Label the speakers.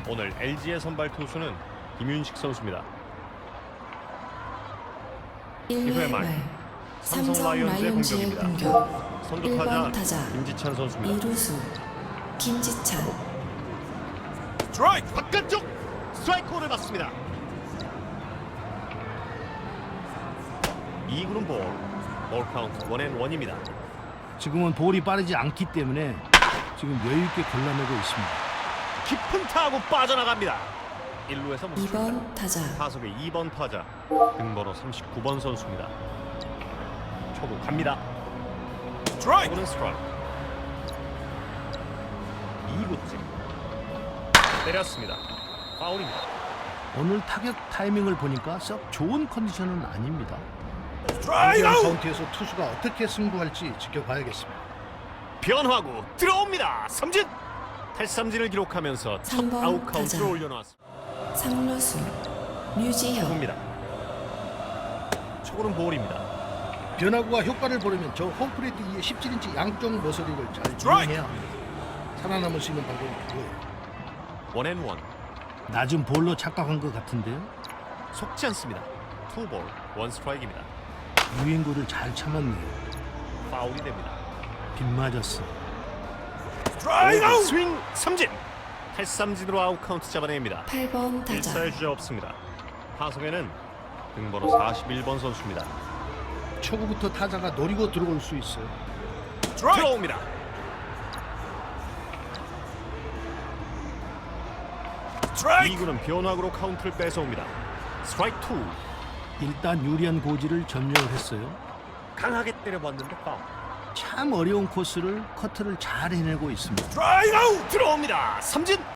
Speaker 1: 오늘 LG의 선발 투수는 김윤식 선수입니다.
Speaker 2: 1회 말 삼성 라이온즈의 공격.
Speaker 1: 선두
Speaker 2: 1번
Speaker 1: 타자
Speaker 2: 타자
Speaker 1: 김지찬 선수입니다.
Speaker 2: 2루수 김지찬.
Speaker 1: 스트라이크 바깥쪽 스트라이크를 맞습니다. 2구는 볼 카운트 원앤원입니다.
Speaker 3: 지금은 볼이 빠르지 않기 때문에 지금 여유있게 골라내고 있습니다.
Speaker 1: 깊은 타구 빠져나갑니다. 1루에서
Speaker 2: 2번 타자
Speaker 1: 타석의 2번 타자 등번호 39번 선수입니다. 초구 갑니다. 스트라이크는 스트라이크. 2구째 때렸습니다. 파울입니다.
Speaker 3: 오늘 타격 타이밍을 보니까 썩 좋은 컨디션은 아닙니다.
Speaker 1: 스트라이크
Speaker 3: 카운트에서 투수가 어떻게 승부할지 지켜봐야겠습니다.
Speaker 1: 변화구 들어옵니다. 삼진 탈삼진을 기록하면서 첫
Speaker 2: 3번
Speaker 1: 아웃 카운트를
Speaker 2: 타자.
Speaker 1: 올려놓았습니다.
Speaker 2: 3루수 류지형.
Speaker 1: 초구입니다. 초구는 볼입니다.
Speaker 3: 변화구가 효과를 보려면 저 홈플레이트 위에 17인치 양쪽 머서리를 잘 이용해야 합니다. 살아남을 수 있는 방법이 그거예요.
Speaker 1: 원앤원
Speaker 3: 낮은 볼로 착각한 것 같은데요.
Speaker 1: 속지 않습니다. 투볼 원 스트라이크입니다.
Speaker 3: 유인구를 잘 참았네요.
Speaker 1: 파울이 됩니다.
Speaker 3: 빗맞았어.
Speaker 1: 스트라이크 스윙 삼진 탈삼진으로 아웃 카운트 잡아냅니다.
Speaker 2: 8번 타자
Speaker 1: 1사의 주자 없습니다. 타석에는 등번호 41번 선수입니다.
Speaker 3: 초구부터 타자가 노리고 들어올 수 있어요.
Speaker 1: 들어옵니다. 이구는 변화구로 카운트를 뺏어옵니다. 스트라이크 2
Speaker 3: 일단 유리한 고지를 점령을 했어요.
Speaker 1: 강하게 때려봤는데 파울.
Speaker 3: 참 어려운 코스를 커트를 잘 해내고 있습니다.
Speaker 1: 스트라이크 들어옵니다. 삼진